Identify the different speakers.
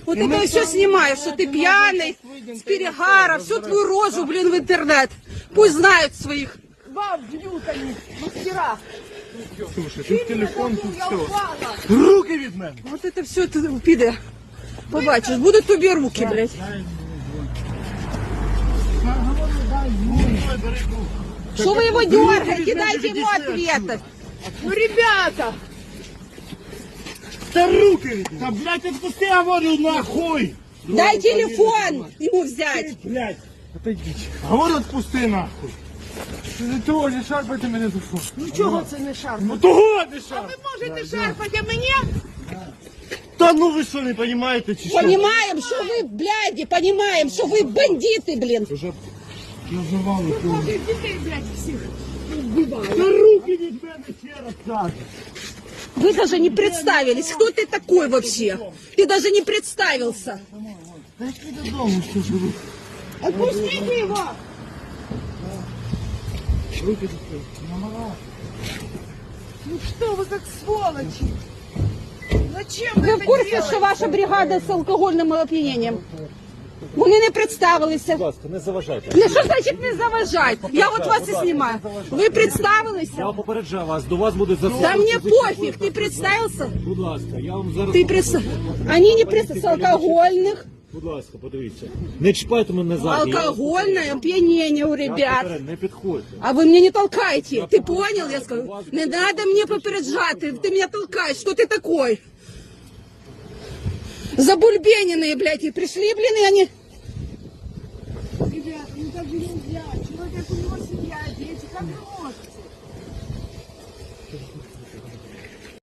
Speaker 1: Вот это все снимаешь, что ты пьяный, с перегара, всю твою рожу, блин, в интернет. Пусть знают своих. Вам бьют они, мастера.
Speaker 2: Слушай, тут телефон, тут все.
Speaker 3: Руки від мене!
Speaker 1: Вот это все ты піде. Побачиш, будуть тобі руки, блядь. Что вы его дергаете? Дайте ему ответы. Ну, ребята!
Speaker 3: Та руки від мене! Та, блядь, відпусти, я говорю, нахуй!
Speaker 1: Дай телефон ему взять.
Speaker 3: Блядь!
Speaker 2: Отойдіть.
Speaker 3: Говорю, відпусти, нахуй!
Speaker 2: Ти не того, не шарпайте мене за фото.
Speaker 1: Ну чого це не шарпати?
Speaker 3: Ну того не шар!
Speaker 1: Ви можете шарпати, а мені?
Speaker 3: Та ну ви що, не розумієте, чи що?
Speaker 1: Понимаем, что вы, бляди, понимаем, что вы бандиты, блин.
Speaker 2: Вже називали.
Speaker 1: Детей, блядь, всех.
Speaker 3: Та руки від мене, ще раз кажу!
Speaker 1: Вы даже не представились, кто ты такой вообще. Ты даже не представился.
Speaker 3: Та йди додому, що ж ви?
Speaker 1: Отпустите его.
Speaker 2: Руки закрили.
Speaker 1: Ну что вы как сволочи? Зачем вы в курсе, що ваша бригада з алкогольним оп'янінням? Вони не представилися.
Speaker 4: Будь ласка, не заважайте.
Speaker 1: Не, що значить не заважать? Я от вас і знімаю. Ви представилися?
Speaker 4: Я попереджаю вас, до вас буде
Speaker 1: Да
Speaker 4: застосовано.
Speaker 1: мне пофиг, ты представился?
Speaker 4: Будь ласка, я вам зараз...
Speaker 1: Ты представился? Они не представились. Алкогольных.
Speaker 4: Будь ласка, подивіться. Не чіпайте мене ззаді.
Speaker 1: Алкогольное опьянение у ребят.
Speaker 4: Не підходьте.
Speaker 1: А вы меня не толкаете. Ты понял? Я скажу. Не надо мне попереджать. Ты меня толкаешь. Что ты такой? Забульбененные, блядь, и пришли, блин, и они...